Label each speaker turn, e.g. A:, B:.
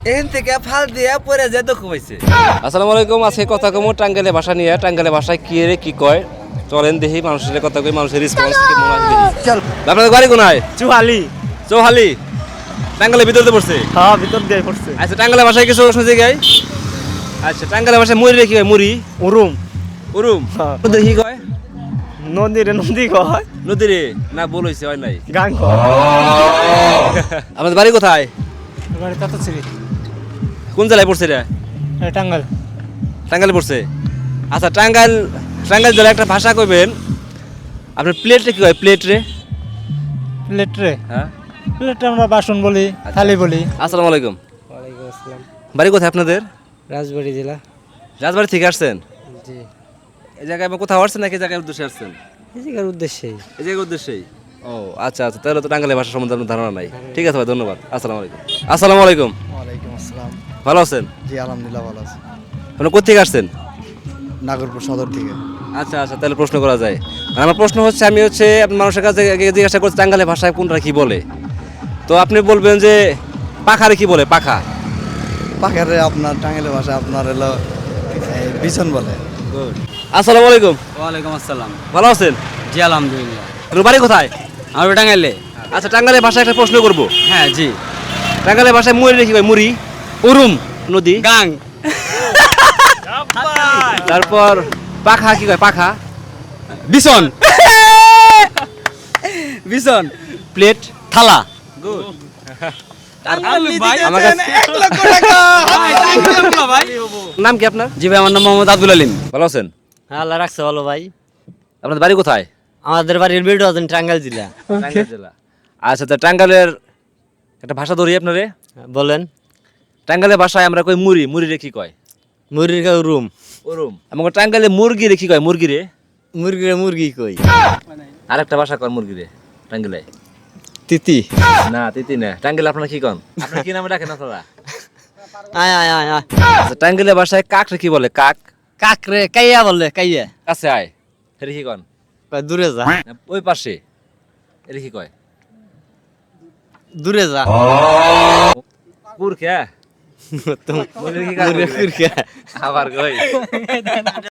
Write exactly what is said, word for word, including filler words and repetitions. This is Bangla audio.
A: এখান থেকে ফাল দিয়ে পরে যে দুঃখ পাইছে।
B: আসসালামু আলাইকুম। আজকে কথা কমো টাঙ্গাইলে ভাষা নিয়ে। টাঙ্গাইলে ভাষায় কি রে কি কয় চলেন দেখি মানুষের কথা কই, মানুষের রেসপন্স কি মনে হয় দেখি।
A: চল
B: আপনাদের বাড়ি কোনায়?
C: চুহালি।
B: চৌহালি। টাঙ্গাইলের ভিতরে পড়ছে?
C: হ্যাঁ, ভিতর দিয়ে পড়ছে।
B: আচ্ছা, টাঙ্গাইলের ভাষায় কিছু শুনছি গাই। আচ্ছা, টাঙ্গাইলের ভাষায় মুড়ি রে কি কয়? মুড়ি
C: উরুম।
B: উরুম।
C: হ্যাঁ।
B: ওদের কি কয়?
C: নদী রে নদী কয়।
B: নদী রে না বল হইছে হয় নাই।
C: গান কয়।
B: আমাদের বাড়ি কোথায়?
C: বাড়ি তাতাছিরি।
B: কোন জেলায় পড়ছে রে?
C: টাঙ্গাইল।
B: টাঙ্গাইলে পড়ছে। আচ্ছা, টাঙ্গাইল টাঙ্গাইল জেলায় একটা ভাষা কইবেন। আপনার প্লেট রে কি কয়? প্লেট রে?
C: প্লেট রে।
B: হ্যাঁ।
C: প্লেট আমরা বাসন বলি, থালি বলি।
B: আসসালামু আলাইকুম।
C: ওয়ালাইকুম আসসালাম।
B: বাড়ি কোথায় আপনাদের?
C: রাজবাড়ী জেলা।
B: রাজবাড়ি থেকে আসছেন?
C: জি।
B: এই জায়গায় আপনি কোথাও আসছেন নাকি এই জায়গায় উদ্দেশ্যে আসছেন?
C: এই জায়গার উদ্দেশ্যেই।
B: এই জায়গার উদ্দেশ্যেই। ও আচ্ছা আচ্ছা, তাহলে তো টাঙ্গাইলের ভাষা সম্বন্ধে আপনার ধারণা নাই। ঠিক আছে ভাই, ধন্যবাদ। আসসালামু আলাইকুম। আসসালামু আলাইকুম।
D: ওয়ালাইকুম আসসালাম।
B: ভালো আছেন?
D: জি আলহামদুলিল্লাহ ভালো আছি।
B: আপনি কোথেকে আসছেন?
D: নাগরপুর সদর থেকে।
B: আচ্ছা আচ্ছা, তাহলে প্রশ্ন করা যায়। আর আমার প্রশ্ন হচ্ছে, আমি হচ্ছে আপনার মানুষের কাছে গিয়ে জিজ্ঞাসা করছি টাঙ্গাইলের ভাষায় কোনটা কি বলে। তো আপনি বলবেন যে পাখারে কি বলে? পাখা।
D: পাখারে আপনার টাঙ্গাইলের ভাষা আপনার হলো এই বিছন বলে।
B: আসসালামু আলাইকুম।
E: ওয়ালাইকুম আসসালাম।
B: ভালো আছেন?
E: জি আলহামদুলিল্লাহ।
B: আপনার বাড়ি কোথায়?
E: আমার টাঙ্গাইলে।
B: আচ্ছা, টাঙ্গাইলের ভাষায় একটা প্রশ্ন করবো।
E: হ্যাঁ জি।
B: টাঙ্গাইলের ভাষায় মুড়ি রে কি কয়? মুড়ি
E: উরুম।
B: নদী।
E: গাং।
B: তারপর পাখা কি কয়? পাখা।
E: বিছন। বিছন।
B: প্লেট।
E: থালা।
B: আমার কাছে নাম কি আপনার?
E: জি ভাই, আমার নাম মোহাম্মদ আব্দুল আলিম।
B: ভালো আছেন?
F: হ্যাঁ, আল্লাহ রাখছে ভালো ভাই।
B: আপনাদের বাড়ি কোথায়?
F: আমাদের বাড়ির বিল্ড আছেন টাঙ্গাইল জেলা।
B: টাঙ্গাইল জেলা। আচ্ছা, তা টাঙ্গাইলের একটা ভাষা ধরি আপনারে।
F: বলেন।
B: টাঙ্গাইলের ভাষায় আমরা কই মুড়ি। মুড়ি রে কি কয়?
F: মুরগির গায়ে রুম।
B: ওরম। আমাকে টাঙ্গাইলে মুরগি রে কি কয়? মুরগি রে।
F: মুরগির মুরগি কই।
B: আরেকটা ভাষা কয় মুরগি রে টাঙ্গাইলে।
F: তিতি।
B: না, তিতি না। টাঙ্গাইলে আপনারা কি কন? আপনারা কি নামে ডাকেন আপনারা?
F: আয় আয় আয় আয়।
B: আচ্ছা, টাঙ্গাইলের ভাষায় কাক রে কি বলে? কাক।
F: কাকরে কাইয়া বলে কাইয়া।
B: কাছে আয়। এটা কি কন?
F: কয় দূরে যা।
B: না, ওই পাশে। এটা কি কয়?
F: দূরে যা।
B: কুর খেয়া।
F: তুমি
B: মুরগি কি কাক বলে?
F: কুরকা।
B: আবার কই